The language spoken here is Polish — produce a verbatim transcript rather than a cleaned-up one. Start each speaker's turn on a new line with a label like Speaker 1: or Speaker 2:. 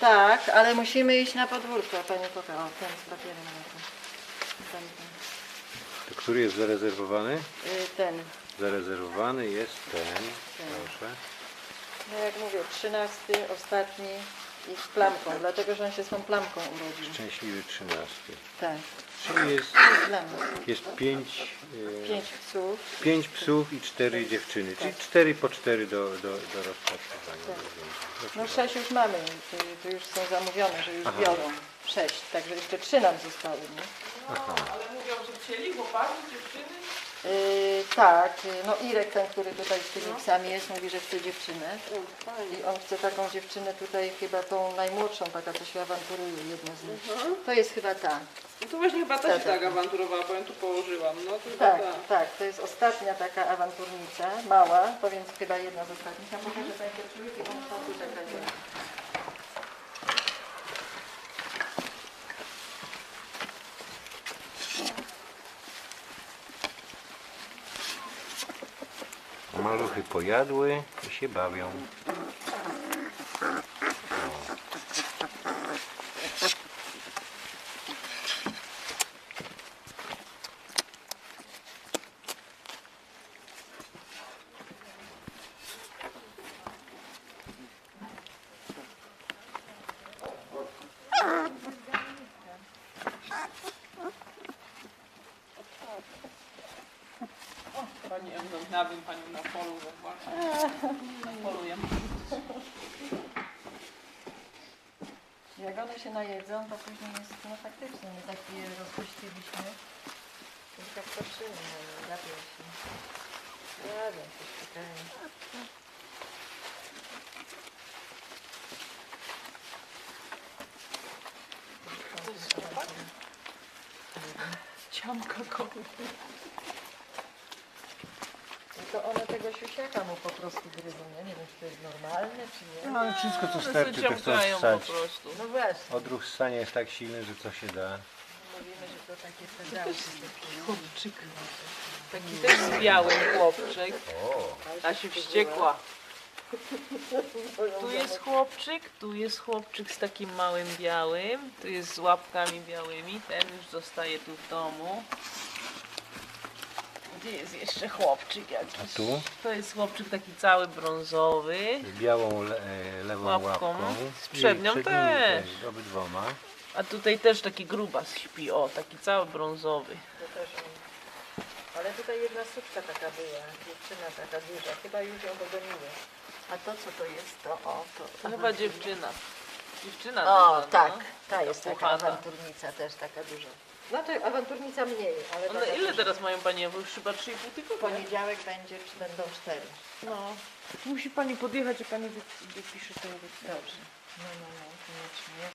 Speaker 1: Tak, ale musimy iść na podwórko, pani poka. O, ten z papierem na to. Ten, ten.
Speaker 2: To który jest zarezerwowany?
Speaker 1: Y, ten.
Speaker 2: Zarezerwowany jest ten. Proszę.
Speaker 1: No jak mówię, trzynasty, ostatni i z plamką, dlatego że on się z tą plamką urodził.
Speaker 2: Szczęśliwy trzynasty.
Speaker 1: Tak,
Speaker 2: Czyli jest,
Speaker 1: dla nas.
Speaker 2: jest pięć, e,
Speaker 1: Pięć psów.
Speaker 2: pięć psów i cztery dziewczyny. Czyli cztery po cztery do, do, do rozpatrywania.
Speaker 1: Tak. No sześć już mamy, to, to już są zamówione, że już
Speaker 2: Aha.
Speaker 1: biorą. Sześć, także jeszcze trzy nam zostały, nie?
Speaker 2: Aha.
Speaker 3: Ale mówią, że chcieli chłopaki, dziewczyny.
Speaker 1: Yy, tak, no Irek, ten, który tutaj z tymi psami jest, mówi, że chce dziewczynę. I on chce taką dziewczynę tutaj, chyba tą najmłodszą, taka co się awanturuje, jedna z nich. To jest chyba ta.
Speaker 3: No to właśnie chyba ta się
Speaker 1: Tak,
Speaker 3: tak
Speaker 1: tak.
Speaker 3: awanturowała, bo ja tu położyłam. No to chyba
Speaker 1: Tak,
Speaker 3: ta.
Speaker 1: tak, to jest ostatnia taka awanturnica, mała, to więc chyba jedna z ostatnich. Ja pokażę Państwu trójkę, bo muszą tu czekać.
Speaker 2: Maluchy pojadły i się bawią.
Speaker 3: Pani Ewną, na wiem panią na polu, zobaczę. Na polu ja.
Speaker 1: Jak one się najedzą, to później jest, no faktycznie, my tak je rozpuściliśmy. To tak patrzymy, no, gapią się. Jadą się, czekają.
Speaker 3: Ciamka kogo.
Speaker 1: No to one tego siusiaka mu po prostu gryzą, ja nie wiem, czy to jest normalne, czy nie.
Speaker 2: No ale wszystko co
Speaker 3: One
Speaker 2: starczy
Speaker 3: się
Speaker 2: to chcą
Speaker 3: ciamkają po
Speaker 2: ssać.
Speaker 3: prostu.
Speaker 1: No właśnie,
Speaker 2: Odruch ssania jest tak silny, że co się da.
Speaker 1: mówimy, że to takie pedałki.
Speaker 3: Chłopczyk. Taki też z białym chłopczyk.
Speaker 2: O,
Speaker 3: Ta się wściekła. Tu jest chłopczyk, tu jest chłopczyk z takim małym białym, tu jest z łapkami białymi, ten już zostaje tu w domu. Gdzie jest jeszcze chłopczyk jakiś?
Speaker 2: A tu?
Speaker 3: To jest chłopczyk taki cały brązowy,
Speaker 2: z białą le, e, lewą
Speaker 3: Łapką.
Speaker 2: łapką.
Speaker 3: Z przednią
Speaker 2: I
Speaker 3: też.
Speaker 2: Obydwoma.
Speaker 3: a tutaj też taki grubas śpi, o, taki cały brązowy.
Speaker 1: To też on. Ale tutaj jedna suczka taka była, dziewczyna taka duża, chyba już ją dogoniły. A to co to jest? To o, to...
Speaker 3: To chyba dziewczyna. Dziewczyna
Speaker 1: O,
Speaker 3: duża,
Speaker 1: tak,
Speaker 3: no.
Speaker 1: ta jest taka
Speaker 3: Puchata.
Speaker 1: awanturnica też taka duża. Znaczy awanturnica mniej, ale
Speaker 3: One
Speaker 1: taka
Speaker 3: ile
Speaker 1: duża.
Speaker 3: teraz mają panie? Bo już chyba trzy i pół
Speaker 1: W
Speaker 3: tygodnia.
Speaker 1: poniedziałek będzie, czy będą cztery.
Speaker 3: No. Musi pani podjechać i pani wy- wypisze ten wypis.
Speaker 1: Dobrze. No, no, no, koniecznie.